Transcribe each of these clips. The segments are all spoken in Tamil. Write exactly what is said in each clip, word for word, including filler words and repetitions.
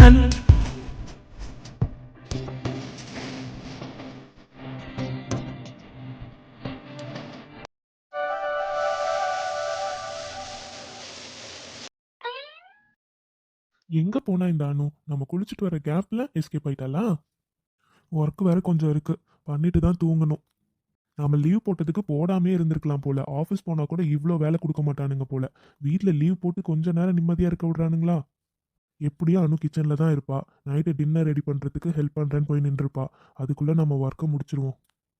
ஜன்னல். எங்க போனா இந்த அனு? நம்ம குளிச்சுட்டு வர கேப்ல எஸ்கேப் ஆயிட்டாளா? ஒர்க் வேற கொஞ்சம் இருக்கு, பண்ணிட்டு தான் தூங்கணும். நம்ம லீவ் போட்டதுக்கு போடாமே இருந்திருக்கலாம் போல. ஆஃபீஸ் போனா கூட இவ்வளோ வேலை கொடுக்க மாட்டானுங்க போல. வீட்டில் லீவ் போட்டு கொஞ்ச நேரம் நிம்மதியா இருக்க விடுறானுங்களா? எப்படியும் அனு கிச்சன்ல தான் இருப்பா. நைட்டு டின்னர் ரெடி பண்றதுக்கு ஹெல்ப் பண்றேன்னு போய் நின்றுப்பா. அதுக்குள்ள நம்ம ஒர்க்கை முடிச்சிருவோம்.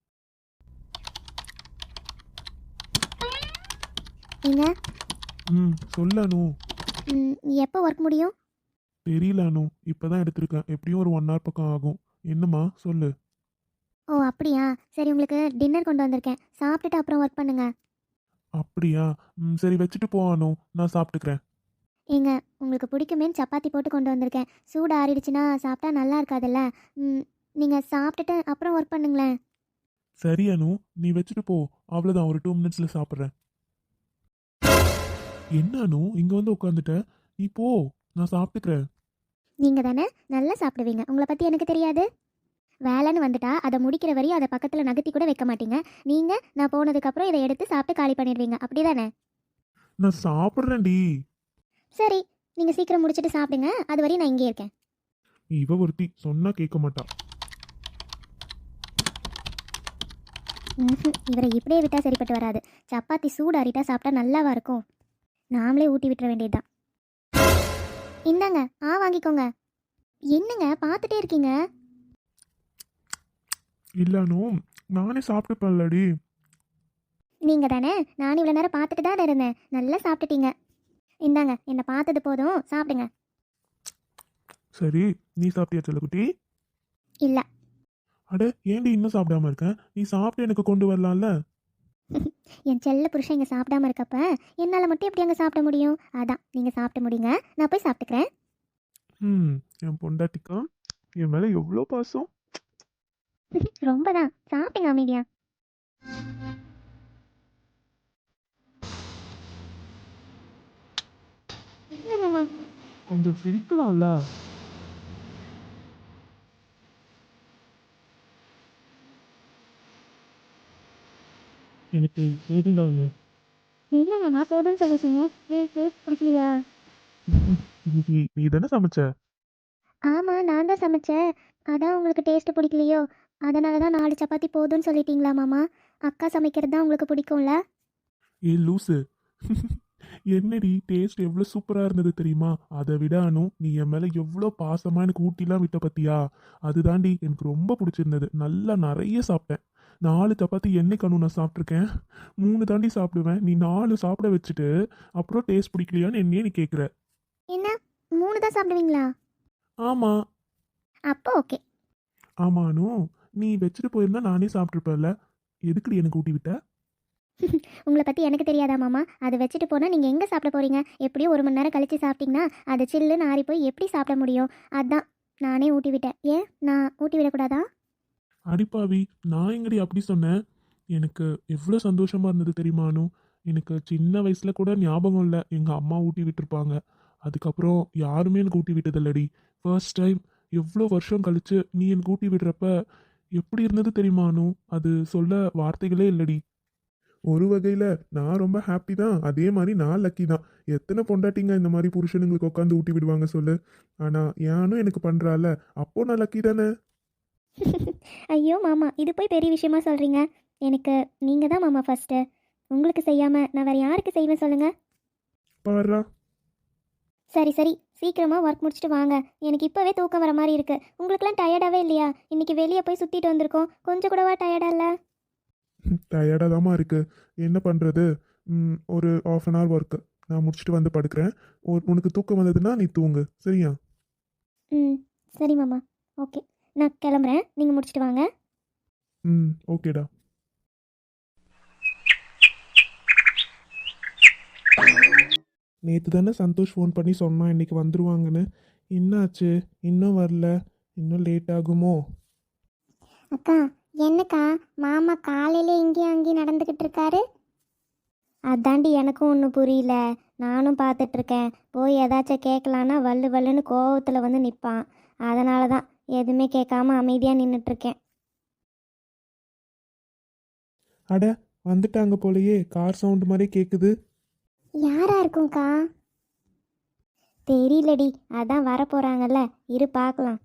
ஏங்க, ம் சொல்லு அனு. ம், எப்போ ஒர்க் முடியும்? தெரியல அனு, இப்பதான் எடுத்திருக்கேன். எப்படியும் ஒரு ஒன் ஹவர் பக்கம் ஆகும். என்னம்மா சொல்லு. ஓ அப்படியா, சரி, உங்களுக்கு டின்னர் கொண்டு வந்திருக்கேன், சாப்பிட்டுட்டு அப்புறம் ஒர்க் பண்ணுங்க. அப்படியா? ம் சரி, வச்சுட்டு போ அனு, நான் சாப்பிட்டுக்கிறேன். ஏங்க, உங்களுக்கு பிடிக்குமேன்னு சப்பாத்தி போட்டு கொண்டு வந்திருக்கேன். சூடு ஆறிடுச்சுன்னா சாப்பிட்டா நல்லா இருக்காதுல்ல. ம், நீங்கள் சாப்பிட்டுட்டு அப்புறம் ஒர்க் பண்ணுங்களேன். சரி அனு, நீ வச்சுட்டு போ. அவ்வளோதான், ஒரு டூ மினிட்ஸ்ல சாப்பிட்றேன். என்ன அனு இங்க வந்து உட்காந்துட்ட? நீ போ, நான் சாப்பிட்டுக்கிறேன். நீங்கள் தானே நல்லா சாப்பிடுவீங்க, உங்களை பற்றி எனக்கு தெரியாது. வேலைன்னு வந்துட்டா அதை முடிக்கிற வரையும் அதை பக்கத்தில் நகர்த்தி கூட வைக்க மாட்டீங்க. நீங்கள் நான் போனதுக்கப்புறம் இதை எடுத்து சாப்பிட்டு காலி பண்ணிடுவீங்க, அப்படி தானே? நான் சாப்பிட்றேன்டி. சரி, நீங்கள் சீக்கிரம் முடிச்சுட்டு சாப்பிடுங்க, அது வரையும் நான் இங்கே இருக்கேன். இவ ஒருத்தி சொன்னா கேட்க மாட்டா. ம்ஹும், இவரை இப்படியே விட்டால் சரிப்பட்டு வராது. சப்பாத்தி சூடு ஆறிட்டா சாப்பிட்டா நல்லாவா இருக்கும்? நாமளே ஊட்டி விட்டுற வேண்டியதுதான். இந்தாங்க, ஆ வாங்கிக்கோங்க. என்னங்க பார்த்துட்டே இருக்கீங்க? இல்ல அனு, நானே சாப்பிட்டுப்பேன்லடி. நீங்கள் தானே, நான் இவ்வளோ நேரம் பார்த்துட்டு தான் இருந்தேன். நல்லா சாப்பிட்டுட்டீங்க. இந்தாங்க, என்னை பார்த்தது போதும், சாப்பிடுங்க. சரி, நீ சாப்பிட்டியா செல்லக்குட்டி? இல்லை. அட, ஏன்டி இன்னும் சாப்பிடாம இருக்க? நீ சாப்பிட்டு எனக்கு கொண்டு வரலாம்ல. என் செல்ல புருஷன் இங்கே சாப்பிடாம இருக்கப்ப என்னால் மட்டும் எப்படி அங்கே சாப்பிட முடியும்? அதான் நீங்கள் சாப்பிட்டு முடிங்க, நான் போய் சாப்பிட்டுக்கிறேன். ம் என் பொண்டாட்டிக்கா என் மேல எவ்வளோ பாசம். ரொம்ப தான், சாப்பிடுங்க அமைதியா. கொஞ்சம் சிரிக்கலாம்ல. எனக்கு தெரியல. இல்லைங்க, நான் போதுன்னு சொல்லிச்சுங்க. பிடிக்கலையா? நீ நீ தானே சமைச்ச? ஆமாம், நான் தான் சமைச்சேன். அதான் உங்களுக்கு டேஸ்ட்டு பிடிக்கலையோ? அதனால தான் நாலு சப்பாத்தி போதும்னு சொல்லிட்டீங்களா மாமா? அக்கா சமைக்கிறது தான் உங்களுக்கு பிடிக்கும்ல? ஏ லூசு. என்னடி டேஸ்ட் எவ்வளோ சூப்பராக இருந்தது தெரியுமா? அதை விட அனு, நீ என் மேலே எவ்வளோ பாசமாக எனக்கு ஊட்டிலாம் விட்ட பத்தியா? அதுதாண்டி எனக்கு ரொம்ப பிடிச்சிருந்தது. நல்லா நிறைய சாப்பிட்டேன். நாலு சப்பாத்தி என்னைக்கு அனு நான் சாப்பிட்ருக்கேன்? மூணு தாண்டி சாப்பிடுவேன். நீ நாலு சாப்பிட வச்சுட்டு அப்புறம் டேஸ்ட் பிடிக்கலையான்னு என்னையே நீ கேட்குற. என்ன, மூணு தான் சாப்பிடுவீங்களா? ஆமாம். அப்போ ஓகே. ஆமாம் அனு, நீ வச்சுட்டு போயிருந்தா நானே சாப்பிட்ருப்பேன்ல. எதுக்குடி எனக்கு ஊட்டி விட்ட? உங்களை பற்றி எனக்கு தெரியாதா மாமா? அதை வச்சுட்டு போனால் நீங்கள் எங்கே சாப்பிட போகிறீங்க? எப்படியும் ஒரு மணி நேரம் கழித்து சாப்பிட்டீங்கன்னா அது சில்லுன்னு ஆறி போய் எப்படி சாப்பிட முடியும்? அதான் நானே ஊட்டி விட்டேன். ஏன் நான் ஊட்டி விடக்கூடாதா? அடிப்பாவி, நான் எங்கடி அப்படி சொன்னேன்? எனக்கு எவ்வளோ சந்தோஷமா இருந்தது தெரியுமா அனு? எனக்கு சின்ன வயசுல கூட ஞாபகம் இல்லை எங்கள் அம்மா ஊட்டி விட்டுருப்பாங்க. அதுக்கப்புறம் யாருமே எனக்கு ஊட்டி விட்டதில்லடி. ஃபர்ஸ்ட் டைம் எவ்வளோ வருஷம் கழிச்சு நீ எனக்கு ஊட்டி விடுறப்ப எப்படி இருந்தது தெரியுமா அனு? அது சொல்ல வார்த்தைகளே இல்லடி. ஒரு வகையில் நான் ரொம்ப ஹாப்பி தான், அதே மாதிரி நான் லக்கி தான். எத்தனை பொண்டாட்டிங்க இந்த மாதிரி புருஷனுங்களுக்கு உட்காந்து ஊட்டி விடுவாங்க சொல்லு? ஆனால் யானும் எனக்கு பண்ணுறால, அப்போ நான் லக்கி தானே. ஐயோ மாமா, இது போய் பெரிய விஷயமா சொல்கிறீங்க. எனக்கு நீங்கள் தான் மாமா ஃபஸ்ட்டு. உங்களுக்கு செய்யாமல் நான் வேறு யாருக்கு செய்வேன் சொல்லுங்கள்? பாரா. சரி சரி, சீக்கிரமாக ஒர்க் முடிச்சுட்டு வாங்க. எனக்கு இப்போவே தூக்கம் வர மாதிரி இருக்குது. உங்களுக்குலாம் டயர்டாகவே இல்லையா? இன்றைக்கி வெளியே போய் சுற்றிட்டு வந்திருக்கோம், கொஞ்சம் கூடவா டயர்டாக இல்லை? டயர்டாக தாம்மா இருக்கு. என்ன பண்ணுறது? ஒரு ஆஃப் அன் ஹவர் ஒர்க்கு, நான் முடிச்சுட்டு வந்து படுக்கிறேன். ஒரு உனக்கு தூக்கம் வந்ததுன்னா நீ தூங்கு, சரியா? ம், சரி மாமா, ஓகே. நான் கிளம்புறேன், நீங்கள் முடிச்சுட்டு வாங்க. ம் ஓகேடா. நேற்று தானே சந்தோஷ் ஃபோன் பண்ணி சொன்னான் இன்னைக்கு வந்துருவாங்கன்னு. என்னாச்சு? இன்னும் வரல. இன்னும் லேட் ஆகுமோ? அக்கா, என்னக்கா மாமா காலையில் இங்கேயும் அங்கேயும் நடந்துக்கிட்டு இருக்காரு? அதாண்டி எனக்கும் ஒன்றும் புரியல. நானும் பார்த்துட்ருக்கேன். போய் ஏதாச்சும் கேட்கலான்னா வள்ளு வள்ளுன்னு கோவத்தில் வந்து நிற்பான். அதனால தான் எதுவுமே கேட்காம அமைதியாக நின்றுட்டுருக்கேன். அட, வந்துட்டாங்க போலயே. கார் சவுண்டு மாதிரி கேட்குது. யாரா இருக்கும்க்கா? தெரியலடி, அதான் வரப்போகிறாங்கல்ல, இரு பார்க்கலாம்.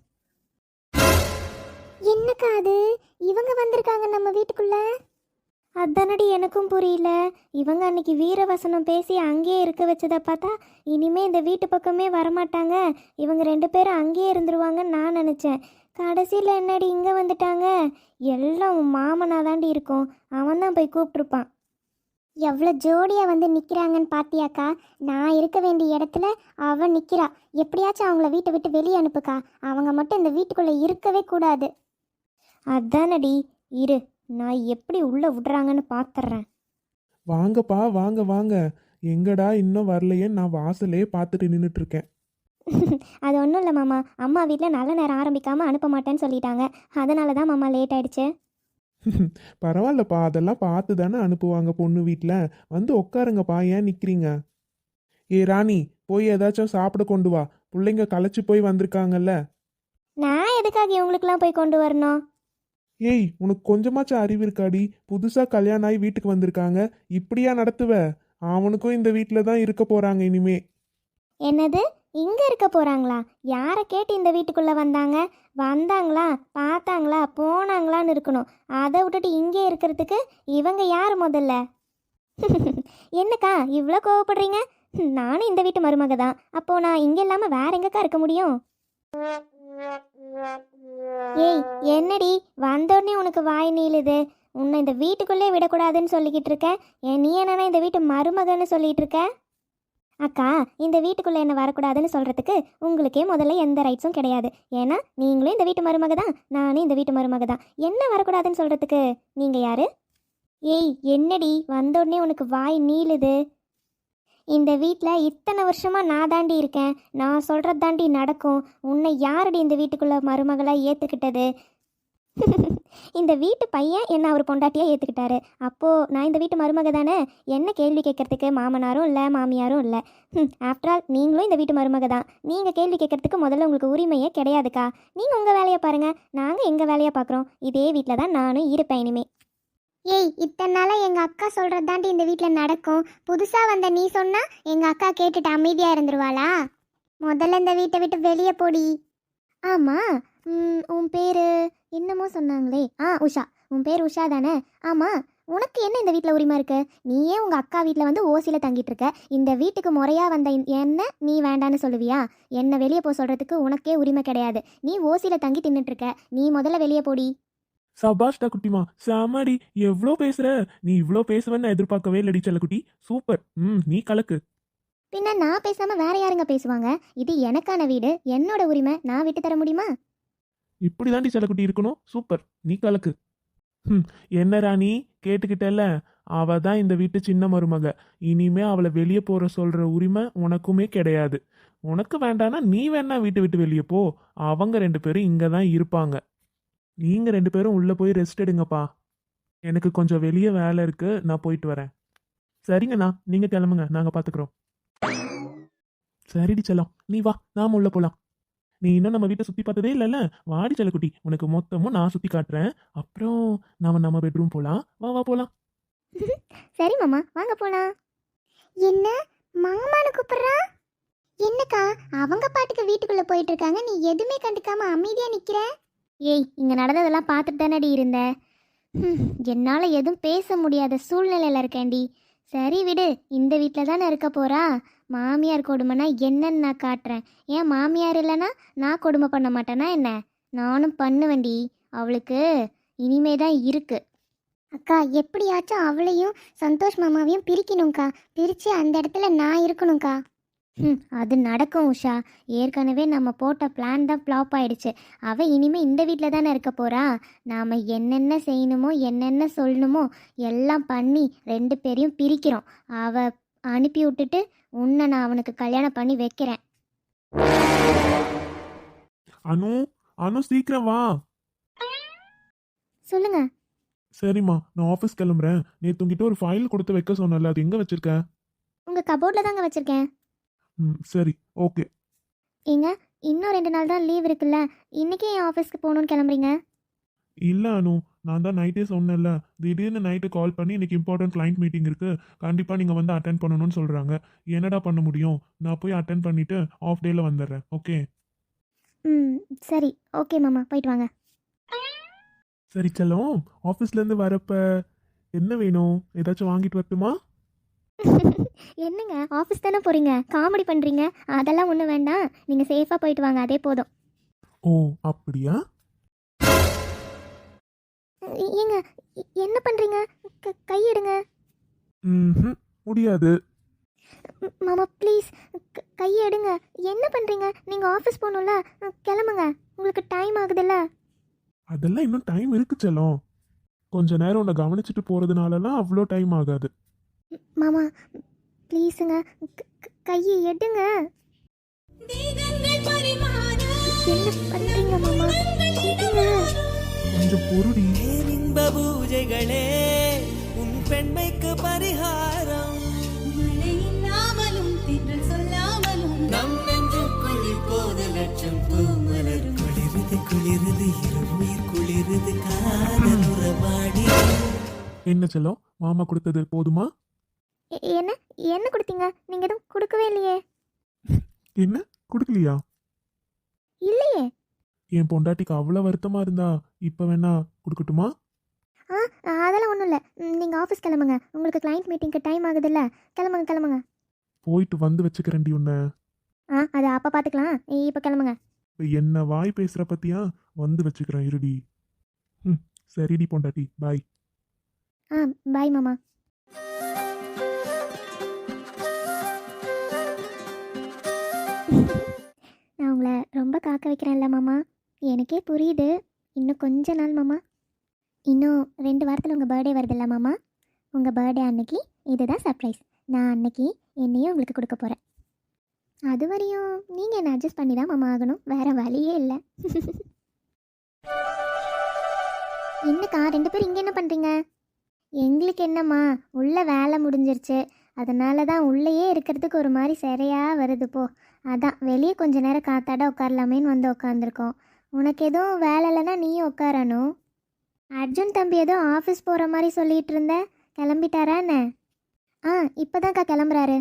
என்னக்கா அது? இவங்க வந்திருக்காங்க நம்ம வீட்டுக்குள்ள. அதானடி எனக்கும் புரியல. இவங்க அன்னைக்கு வீரவசனம் பேசி அங்கேயே இருக்க வச்சதை பார்த்தா இனிமே இந்த வீட்டு பக்கமே வரமாட்டாங்க, இவங்க ரெண்டு பேரும் அங்கேயே இருந்துருவாங்கன்னு நான் நினச்சேன். கடைசியில் என்னடி இங்கே வந்துட்டாங்க? எல்லாம் உன் மாமனா தாண்டி இருக்கும். அவன் தான் போய் கூப்பிட்ருப்பான். எவ்வளோ ஜோடியாக வந்து நிற்கிறாங்கன்னு பாத்தியாக்கா? நான் இருக்க வேண்டிய இடத்துல அவன் நிற்கிறா. எப்படியாச்சும் அவங்கள வீட்டை விட்டு வெளியே அனுப்புக்கா. அவங்க மட்டும் இந்த வீட்டுக்குள்ளே இருக்கவே கூடாது. அதானடி, இரு நான் எப்படி உள்ளே விடுறாங்கன்னு பார்த்துட்றேன். வாங்கப்பா, வாங்க வாங்க. எங்கடா இன்னும் வரலையே? நான் வாசலே பார்த்துட்டு நின்றுட்டு இருக்கேன். அது ஒன்றும் இல்லை மாமா, அம்மா வீட்டில் நல்ல நேரம் ஆரம்பிக்காமல் அனுப்ப மாட்டேன்னு சொல்லிட்டாங்க. அதனால தான் மாமா லேட் ஆயிடுச்சு. பரவாயில்லப்பா, அதெல்லாம் பார்த்து தானே அனுப்புவாங்க பொண்ணு வீட்டில். வந்து உட்காருங்கப்பா, ஏன் நிற்கிறீங்க? ஏ ராணி, போய் ஏதாச்சும் சாப்பிட கொண்டு வா. பிள்ளைங்க களைச்சி போய் வந்திருக்காங்கல்ல. நான் எதுக்காக இவங்களுக்குலாம் போய் கொண்டு வரணும்? ஏய், உனக்கு கொஞ்சமாச்சும் அறிவு இருக்காடி? புதுசாக கல்யாணம் ஆகி வீட்டுக்கு வந்திருக்காங்க, இப்படியா நடத்துவ? அவனுக்கும் இந்த வீட்டில் தான் இருக்க போகிறாங்க இனிமே. என்னது, இங்கே இருக்க போகிறாங்களா? யாரை கேட்டு இந்த வீட்டுக்குள்ளே வந்தாங்க? வந்தாங்களா, பார்த்தாங்களா, போனாங்களான்னு இருக்கணும். அதை விட்டுட்டு இங்கே இருக்கிறதுக்கு இவங்க யார் முதல்ல? என்னக்கா இவ்வளோ கோவப்படுறீங்க? நானும் இந்த வீட்டு மருமக தான். அப்போது நான் இங்கே இல்லாமல் வேற எங்கக்கா இருக்க முடியும்? ஏய் என்னடி, வந்தோடனே உனக்கு வாய் நீளுது? உன்னை இந்த வீட்டுக்குள்ளே விடக்கூடாதுன்னு சொல்லிக்கிட்டு இருக்க. ஏன் நீ என்னன்னா இந்த வீட்டு மருமகன்னு சொல்லிட்டு இருக்க? அக்கா, இந்த வீட்டுக்குள்ளே என்ன வரக்கூடாதுன்னு சொல்கிறதுக்கு உங்களுக்கே முதல்ல எந்த ரைட்ஸும் கிடையாது. ஏன்னா நீங்களும் இந்த வீட்டு மருமக தான், நானும் இந்த வீட்டு மருமக தான். என்ன வரக்கூடாதுன்னு சொல்கிறதுக்கு நீங்கள் யார்? ஏய் என்னடி, வந்தோடனே உனக்கு வாய் நீளுது? இந்த வீட்டில் இத்தனை வருஷமாக நான் தாண்டி இருக்கேன். நான் சொல்கிறது தாண்டி நடக்கும். உன்னை யாரடி இந்த வீட்டுக்குள்ளே மருமகளாக ஏற்றுக்கிட்டது? இந்த வீட்டு பையன் என்ன அவர் பொண்டாட்டியாக ஏற்றுக்கிட்டாரு. அப்போது நான் இந்த வீட்டு மருமக தானே. என்ன கேள்வி கேட்கறதுக்கு மாமனாரும் இல்லை, மாமியாரும் இல்லை. ஆஃப்டர் ஆல் நீங்களும் இந்த வீட்டு மருமக தான். நீங்கள் கேள்வி கேட்கறதுக்கு முதல்ல உங்களுக்கு உரிமையே கிடையாதுக்கா. நீங்கள் உங்கள் வேலையை பாருங்கள், நாங்கள் எங்கள் வேலையை பார்க்குறோம். இதே வீட்டில் தான் நானும் இருப்பேன் இனிமே. ஏய், இத்தனை நாளாக எங்கள் அக்கா சொல்கிறது தாண்டி இந்த வீட்டில் நடக்கும். புதுசாக வந்த நீ சொன்னால் எங்கள் அக்கா கேட்டுட்டு அமைதியாக இருந்துருவாளா? முதல்ல இந்த வீட்டை விட்டு வெளியே போடி. ஆமாம், உன் பேர் என்னமோ சொன்னாங்களே. ஆ உஷா, உன் பேர் உஷா தானே? ஆமாம், உனக்கு என்ன இந்த வீட்டில் உரிமை இருக்கு? நீயே உங்கள் அக்கா வீட்டில் வந்து ஓசியில் தங்கிட்டு இருக்க. இந்த வீட்டுக்கு முறையாக வந்த என்ன நீ வேண்டான்னு சொல்லுவியா? என்ன வெளியே போக சொல்கிறதுக்கு உனக்கே உரிமை கிடையாது. நீ ஓசியில் தங்கி தின்னுட்டுருக்க. நீ முதல்ல வெளியே போடி. சபாஷ்டா குட்டிமா, சாமாடி, எவ்வளோ பேசுற? நீ இவ்வளோ பேசுவேன்னு நான் எதிர்பார்க்கவே இல்லடி செல்லக்குட்டி. சூப்பர். ம் நீ கலக்கு. பின்ன நான் பேசாமல் வேற யாருங்க பேசுவாங்க? இது எனக்கான வீடு, என்னோட உரிமை. நான் விட்டு தர முடியுமா? இப்படி தாண்டி செல்லக்குட்டி இருக்கணும். சூப்பர், நீ கலக்கு. ம் என்ன ராணி, கேட்டுக்கிட்டல? அவ தான் இந்த வீட்டு சின்ன மருமக. இனிமே அவளை வெளியே போற சொல்ற உரிமை உனக்குமே கிடையாது. உனக்கு வேண்டானா நீ வேணா வீட்டை விட்டு வெளியே போ. அவங்க ரெண்டு பேரும் இங்கே தான் இருப்பாங்க. நீங்க ரெண்டு பேரும் உள்ள போய் ரெஸ்ட் எடுங்கப்பா. எனக்கு கொஞ்சம் வெளியே வேலை இருக்கு, நான் போயிட்டு வரேன். சரிங்கண்ணா, நீங்க கிளம்புங்க, நாங்க பாத்துக்கிறோம். சரிடி செல்லம், நீ வா, நாம உள்ள போலாம். நீ இன்னும் நம்ம வீட்டை சுத்தி பார்த்ததே இல்லைல்ல? வாடி செல்லக்குட்டி, உனக்கு மொத்தமும் நான் சுத்தி காட்டுறேன். அப்புறம் நாம நம்ம பெட்ரூம் போலாம். வா வா போலாம். சரி மாமா, வாங்க போலாம். என்ன மாமான்னு கூப்பிடுறா? என்னக்கா அவங்க பாட்டுக்கு வீட்டுக்குள்ள போயிட்டு இருக்காங்க, நீ எதுவுமே கண்டுக்காம அமைதியா நிக்கிற? ஏய், இங்க நடந்ததெல்லாம் பார்த்துட்டு தானடி இருந்த. என்னால் எதுவும் பேச முடியாத சூழ்நிலையில் இருக்கேன்டி. சரி விடு, இந்த வீட்டில் தானே இருக்க போறா. மாமியார் கொடுமைனா என்னன்னு நான் காட்டுறேன். ஏன் மாமியார் இல்லைன்னா நான் கொடுமை பண்ண மாட்டேனா என்ன? நானும் பண்ணுவேன்டி. அவளுக்கு இனிமே தான் இருக்கு. அக்கா, எப்படியாச்சும் அவளையும் சந்தோஷ் மாமாவையும் பிரிக்கணும்க்கா. பிரித்து அந்த இடத்துல நான் இருக்கணும்க்கா. ம் அது நடக்கும் உஷா. ஏற்கனவே நம்ம போட்ட பிளான் தான் ஃப்ளாப் ஆயிடுச்சு. அவள் இனிமேல் இந்த வீட்டில் தானே இருக்க போகிறா. நாம் என்னென்ன செய்யணுமோ என்னென்ன சொல்லணுமோ எல்லாம் பண்ணி ரெண்டு பேரையும் பிரிக்கிறோம். அவள் அனுப்பி விட்டுட்டு உன்னை நான் அவனுக்கு கல்யாணம் பண்ணி வைக்கிறேன். அனு, அனு சீக்கிரம் வா. சொல்லுங்க. சரிம்மா, நான் ஆஃபீஸ் கிளம்புறேன். நேற்று உங்ககிட்ட ஒரு ஃபைல் கொடுத்து வைக்க சொன்னல, அது எங்கே வச்சிருக்க? உங்கள் கபோர்டில் தாங்க வச்சுருக்கேன். ம் சரி, ஓகே. ஏங்க, இன்னும் ரெண்டு நாள் தான் லீவ் இருக்குல்ல, இன்றைக்கே என் ஆஃபீஸ்க்கு போகணுன்னு கிளம்புறீங்க? இல்லை அனு, நான் தான் நைட்டே சொன்னேன்ல, திடீர்னு நைட்டு கால் பண்ணி இன்னைக்கு இம்பார்ட்டன்ட் கிளைண்ட் மீட்டிங் இருக்குது, கண்டிப்பாக நீங்கள் வந்து அட்டென்ட் பண்ணணும்னு சொல்கிறாங்க. என்னடா பண்ண முடியும்? நான் போய் அட்டென்ட் பண்ணிவிட்டு ஆஃப் டேயில் வந்துடுறேன். ஓகே. ம் சரி, ஓகே மாமா, போயிட்டு வாங்க. சரி செல்லம், ஆஃபீஸ்லேருந்து வரப்ப என்ன வேணும்? ஏதாச்சும் வாங்கிட்டு வரட்டுமா? என்னங்க, ஆஃபீஸ் தானே போகிறீங்க, காமெடி பண்ணுறீங்க? அதெல்லாம் ஒன்றும் வேண்டாம், நீங்கள் சேஃபாக போயிட்டு வாங்க, அதே போதும். ஓ அப்படியா? ஏ- ஏங்க, எ- என்ன பண்ணுறீங்க? க கையெடுங்க. ம் முடியாது. ம், மாமா ப்ளீஸ், கையெடுங்க. என்ன பண்ணுறீங்க? நீங்கள் ஆஃபீஸ் போகணும்ல, கிளம்புங்க, உங்களுக்கு டைம் ஆகுதுல்ல. அதெல்லாம் இன்னும் டைம் இருக்கு செல்லம். கொஞ்ச நேரம் உன்னை கவனிச்சுட்டு போகிறதுனாலலாம் அவ்வளோ டைம் ஆகாது. ம், மாமா ப்ளீஸுங்க, க- க- கையை எடுங்க. என்ன பண்ணுறீங்க மாமா? எடுங்க. கொஞ்சம் பொருடி. இன்ப பூஜைகளே உன் பெண்மைக்கு பரிகாரம். மழையில்லாமலும் தென்றல் சொல்லாமலும் நம் நெஞ்சுக்குள் இப்போது லட்சம் பூமலர் குளிருது குளிருது இருமுயிர் குளிருது காதல் உறவாடி. என்ன செல்லம், மாமா கொடுத்தது போதுமா? எ- என்ன என்ன கொடுத்தீங்க? நீங்கள் எதுவும் கொடுக்கவே இல்லையே. என்ன கொடுக்கலையா? இல்லையே. என் பொண்டாட்டிக்கு அவ்வளோ வருத்தமா இருந்தா இப்போ வேணா கொடுக்கட்டுமா? ஆ அதெல்லாம் ஒன்றும் இல்லை, நீங்கள் ஆஃபீஸ் கிளம்புங்க, உங்களுக்கு கிளைண்ட் மீட்டிங்க்கு டைம் ஆகுதுல்ல, கிளம்புங்க கிளம்புங்க. போயிட்டு வந்து வச்சுக்கிறேன்டி உன்னை. ஆ அது அப்போ பார்த்துக்கலாம், இப்போ கிளம்புங்க. இப்போ என்ன வாய் பேசுகிற பத்தியா? வந்து வச்சுக்கிறேன் இருடி. ம் சரிடி பொண்டாட்டி, பாய். ஆ பாய் மாமா. நான் உங்களை ரொம்ப காக்க வைக்கிறேன்ல மாமா, எனக்கே புரியுது. இன்னும் கொஞ்ச நாள் மாமா, இன்னும் ரெண்டு வாரத்தில் உங்கள் பர்த்டே வருதுல்ல மாமா, உங்கள் பர்த்டே அன்னைக்கு இதுதான் சர்ப்ரைஸ். நான் அன்னைக்கு என்னையும் உங்களுக்கு கொடுக்க போகிறேன். அது வரையும் நீங்கள் என்ன அட்ஜஸ்ட் பண்ணி தான் மாமா ஆகணும், வேறு வழியே இல்லை. என்னக்கா ரெண்டு பேரும் இங்கே என்ன பண்ணுறீங்க? எங்களுக்கு என்னம்மா, உள்ள வேலை முடிஞ்சிருச்சு, அதனால தான் உள்ளேயே இருக்கிறதுக்கு ஒரு மாதிரி சரியாக வருது போ. அதான் வெளியே கொஞ்ச நேரம் காத்தாட உட்காரலாமேன்னு வந்து உட்காந்துருக்கோம். உனக்கு எதுவும் வேலை இல்லைன்னா நீயும் உட்காரணும். அர்ஜுன் தம்பி ஏதோ ஆஃபீஸ் போகிற மாதிரி சொல்லிகிட்டு இருந்த, கிளம்பிட்டாரா என்ன? ஆ இப்போதான்க்கா கிளம்புறாரு.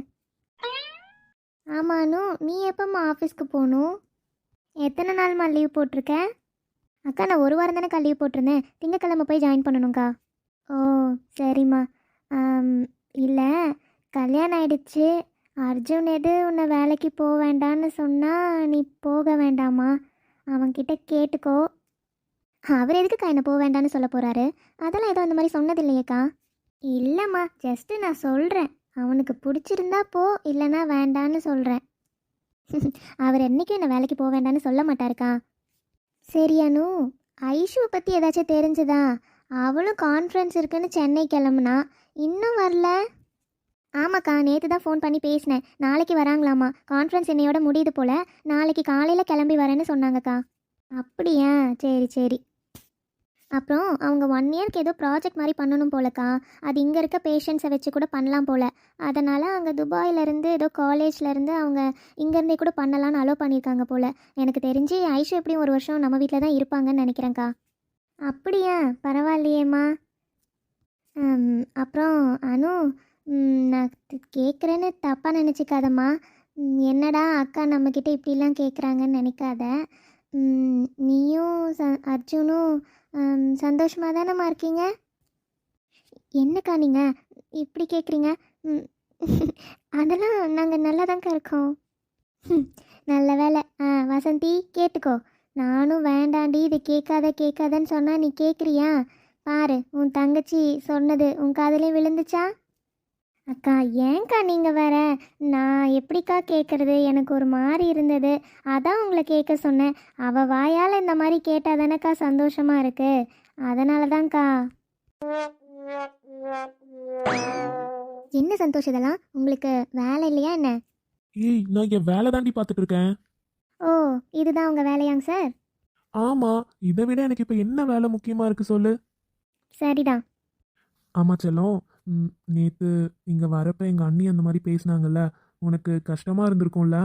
ஆமானு, நீ எப்போம்மா ஆஃபீஸ்க்கு போகணும்? எத்தனை நாள்மா லீவ் போட்டிருக்க? அக்கா நான் ஒரு வாரம் தானேக்கா லீவ் போட்டிருந்தேன், திங்கக்கிழமை போய் ஜாயின் பண்ணணுங்க்கா. ஓ சரிம்மா. இல்லை, கல்யாணம் ஆயிடுச்சு, அர்ஜுன் எது உன்னை வேலைக்கு போக வேண்டான்னு சொன்னால் நீ போக வேண்டாமா? அவன்கிட்ட கேட்டுக்கோ. அவர் எதுக்குக்கா என்ன போக வேண்டான்னு சொல்ல போகிறாரு? அதெல்லாம் ஏதோ அந்த மாதிரி சொன்னது இல்லையேக்கா. இல்லைம்மா, ஜஸ்ட்டு நான் சொல்கிறேன், அவனுக்கு பிடிச்சிருந்தா போ, இல்லைன்னா வேண்டான்னு சொல்கிறேன். அவர் என்றைக்கும் என்னை வேலைக்கு போக வேண்டான்னு சொல்ல மாட்டாருக்கா. சரியானு, ஐஷுவை பற்றி ஏதாச்சும் தெரிஞ்சுதா? அவளும் கான்ஃபரன்ஸ் இருக்குன்னு சென்னை கிளம்புனா, இன்னும் வரல. ஆமாக்கா, நேற்று தான் ஃபோன் பண்ணி பேசினேன், நாளைக்கு வராங்களாமா, கான்ஃபரன்ஸ் என்னையோட முடியுது போல், நாளைக்கு காலையில் கிளம்பி வரேன்னு சொன்னாங்கக்கா. அப்படியா, சரி சரி. அப்புறம் அவங்க ஒன் இயர்க்கு ஏதோ ப்ராஜெக்ட் மாதிரி பண்ணணும் போலக்கா, அது இங்கே இருக்க பேஷண்ட்ஸை வச்சு கூட பண்ணலாம் போல், அதனால் அங்கே துபாயிலேருந்து ஏதோ காலேஜ்லேருந்து அவங்க இங்கேருந்தே கூட பண்ணலான்னு அலோவ் பண்ணியிருக்காங்க போல். எனக்கு தெரிஞ்சு ஐஷு எப்படியும் ஒரு வருஷம் நம்ம வீட்டில் தான் இருப்பாங்கன்னு நினைக்கிறேங்க்கா. அப்படியா, பரவாயில்லையேம்மா. ம், அப்புறம் அனு, ம், நான் கேட்குறேன்னு தப்பாக நினச்சிக்காதம்மா. ம், என்னடா அக்கா நம்மக்கிட்ட இப்படிலாம் கேட்குறாங்கன்னு நினைக்காத. ம், நீயும் ச அர்ஜுனும் சந்தோஷமாக தானம்மா இருக்கீங்க? என்னக்கா நீங்கள் இப்படி கேட்குறீங்க? ம், அதெல்லாம் நாங்கள் நல்லா தான்க்கா இருக்கோம். ம், நல்ல வேலை. ஆ வசந்தி கேட்டுக்கோ, நானும் வேண்டாண்டி இது கேட்காத கேட்காதன்னு சொன்னால் நீ கேட்குறியா? பாரு, உன் தங்கச்சி சொன்னது உன் காதலே விழுந்துச்சா? அக்கா ஏன்க்கா நீங்கள் வேற, நான் எப்படிக்கா கேட்குறது, எனக்கு ஒரு மாதிரி இருந்தது, அதான் உங்களை கேட்க சொன்னேன். அவள் வாயால் இந்த மாதிரி கேட்டால் தானேக்கா சந்தோஷமாக இருக்கு, அதனால தான்க்கா. என்ன சந்தோஷம் இதெல்லாம், உங்களுக்கு வேலை இல்லையா என்ன? ஏய், நான் என் வேலை தாண்டி பார்த்துட்டு இருக்கேன். ஓ இதுதான் உங்கள் வேலையாங்க சார்? ஆமாம், இதை விட எனக்கு இப்போ என்ன வேலை முக்கியமாக இருக்குது சொல்லு. சரிதான். ஆமாம் செல்லம், ம், நேத்து இங்க வரப்ப எங்க அண்ணி அந்த மாதிரி பேசினாங்கல்ல, உனக்கு கஷ்டமா இருந்திருக்கும்ல?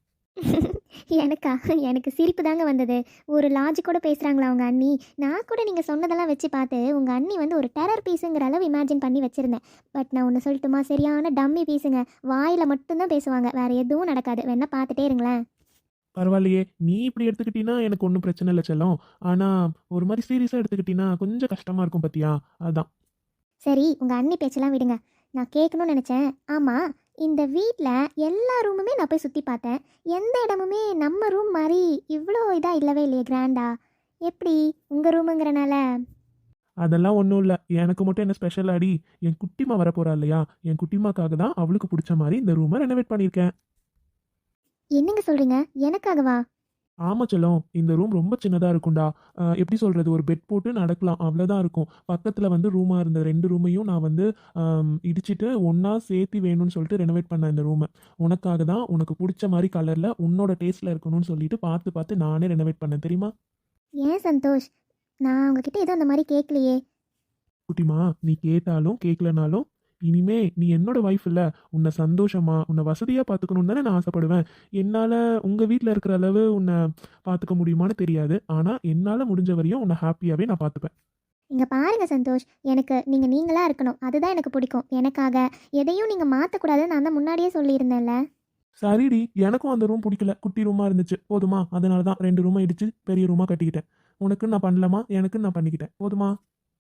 எனக்கா எனக்கு சிரிப்பு தாங்க வந்தது. ஒரு லாஜிக்கோட பேசுகிறாங்களா அவங்க அண்ணி? நான் கூட நீங்கள் சொன்னதெல்லாம் வச்சு பார்த்து உங்கள் அண்ணி வந்து ஒரு டெரர் பீஸுங்கிற அளவு இமேஜின் பண்ணி வச்சுருந்தேன். பட் நான் ஒன்று சொல்லட்டுமா, சரியான டம்மி பீஸுங்க. வாயில் மட்டும்தான் பேசுவாங்க, வேறு எதுவும் நடக்காது. வேணா பார்த்துட்டே இருங்களேன். பரவாயில்லையே, நீ இப்படி எடுத்துக்கிட்டீன்னா எனக்கு ஒன்றும் பிரச்சனை இல்லை செல்லம். ஆனா ஒரு மாதிரி சீரியஸா எடுத்துக்கிட்டீன்னா கொஞ்சம் கஷ்டமா இருக்கும் பத்தியா, அதான். சரி, உங்கள் அண்ணி பேச்செல்லாம் விடுங்க. நான் கேட்கணும்னு நினச்சேன். ஆமாம், இந்த வீட்டில் எல்லா ரூமுமே நான் போய் சுற்றி பார்த்தேன். எந்த இடமுமே நம்ம ரூம் மாதிரி இவ்வளோ இதாக இல்லவே இல்லையே, கிராண்டா. எப்படி உங்கள் ரூமுங்கிறனால? அதெல்லாம் ஒன்றும் இல்லை, எனக்கு மட்டும் என்ன ஸ்பெஷல் ஆடி? என் குட்டிமா வரப்போறா இல்லையா, என் குட்டிமாக்காக தான் அவளுக்கு பிடிச்ச மாதிரி இந்த ரூமை ரெனோவேட் பண்ணியிருக்கேன். என்னங்க சொல்கிறீங்க? எனக்காகவா? ஆமா செல்லம், இந்த ரூம் ரொம்ப சின்னதாக இருக்கும்டா. அஹ் எப்படி சொல்கிறது, ஒரு பெட் போட்டு நடக்கலாம், அவ்வளோதான் இருக்கும். பக்கத்தில் வந்து ரூமாக இருந்த ரெண்டு ரூமையும் நான் வந்து ஆம், இடிச்சிட்டு ஒன்றா சேர்த்து வேணும்னு சொல்லிட்டு ரெனோவேட் பண்ணேன் இந்த ரூமை. உனக்காக தான், உனக்கு பிடிச்ச மாதிரி கலரில் உன்னோட டேஸ்ட்டில் இருக்கணும்னு சொல்லிட்டு பார்த்து பார்த்து நானே ரெனோவேட் பண்ணேன் தெரியுமா? ஏன் சந்தோஷ், நான் உங்ககிட்ட எதுவும் அந்த மாதிரி கேட்கலையே. குட்டிமா, நீ கேட்டாலும் கேட்கலனாலும் இனிமே நீ என்னோட வைஃப் இல்லை, உன்னை சந்தோஷமா உன்னை வசதியாக பார்த்துக்கணும்னு தானே நான் ஆசைப்படுவேன். என்னால் உங்கள் வீட்டில் இருக்கிற அளவு உன்னை பார்த்துக்க முடியுமான்னு தெரியாது, ஆனால் என்னால் முடிஞ்ச வரையும் உன்னை ஹாப்பியாகவே நான் பார்த்துப்பேன். இங்கே பாருங்க சந்தோஷ், எனக்கு நீங்கள் நீங்களாக இருக்கணும், அதுதான் எனக்கு பிடிக்கும். எனக்காக எதையும் நீங்கள் மாற்றக்கூடாதுன்னு நான் தான் முன்னாடியே சொல்லியிருந்தேன்ல. சரிடி, எனக்கும் அந்த ரூம் பிடிக்கல, குட்டி ரூமாக இருந்துச்சு போதுமா, அதனால தான் ரெண்டு ரூமாக இடிச்சு பெரிய ரூமாக கட்டிக்கிட்டேன். உனக்கு நான் பண்ணலாமா, எனக்கு நான் பண்ணிக்கிட்டேன் போதுமா?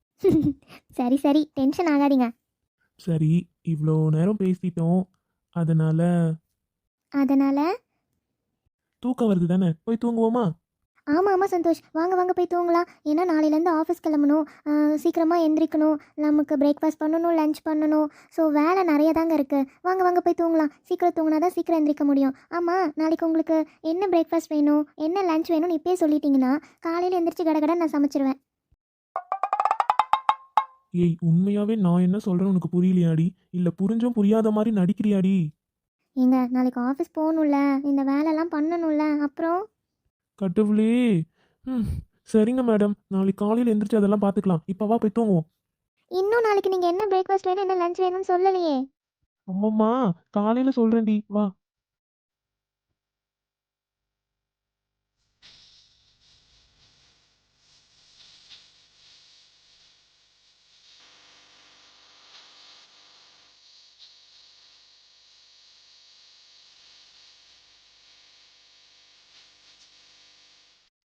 சரி சரி, டென்ஷன் ஆகாதீங்க. சரி, இவ்வளோ நேரம் பேசிட்டோம், அதனால அதனால்? தூக்கம் வருது தானே, போய் தூங்குவோமா? ஆமாம் ஆமாம் சந்தோஷ், வாங்க வாங்க போய் தூங்கலாம். ஏன்னா நாளையிலேருந்து ஆஃபீஸ் கிளம்பணும், சீக்கிரமாக எந்திரிக்கணும், நமக்கு பிரேக்ஃபாஸ்ட் பண்ணணும், லஞ்ச் பண்ணணும். ஸோ வேலை நிறைய தாங்க இருக்குது. வாங்க வாங்க போய் தூங்கலாம். சீக்கிரம் தூங்கினா தான் சீக்கிரம் எந்திரிக்க முடியும். ஆமாம், நாளைக்கு உங்களுக்கு என்ன பிரேக்ஃபாஸ்ட் வேணும், என்ன லஞ்ச் வேணும்னு இப்போயே சொல்லிட்டீங்கன்னா காலையில் எந்திரிச்சு கடகட நான் சமைச்சிருவேன். ஏய், உண்மையாவே நான் என்ன சொல்றேன்னு உனக்கு புரியலையாடி, இல்ல புரிஞ்சும் புரியாத மாதிரி நடிக்கிறியாடி? ஏங்க, நாளைக்கு ஆஃபீஸ் போகணும்ல, இந்த வேலைலாம் பண்ணணும்ல, அப்புறம்? கடவுளே. ம், சரிங்க மேடம், நாளைக்கு காலையில் எந்திரிச்சு அதெல்லாம் பார்த்துக்கலாம். இப்போ வா போய் தூங்குவோம். இன்னும் நாளைக்கு நீங்கள் என்ன பிரேக்ஃபாஸ்ட் வேணும், என்ன லஞ்ச் வேணும்னு சொல்லலையே. அம்மம்மா, காலையில் சொல்கிறேன்டி, வா.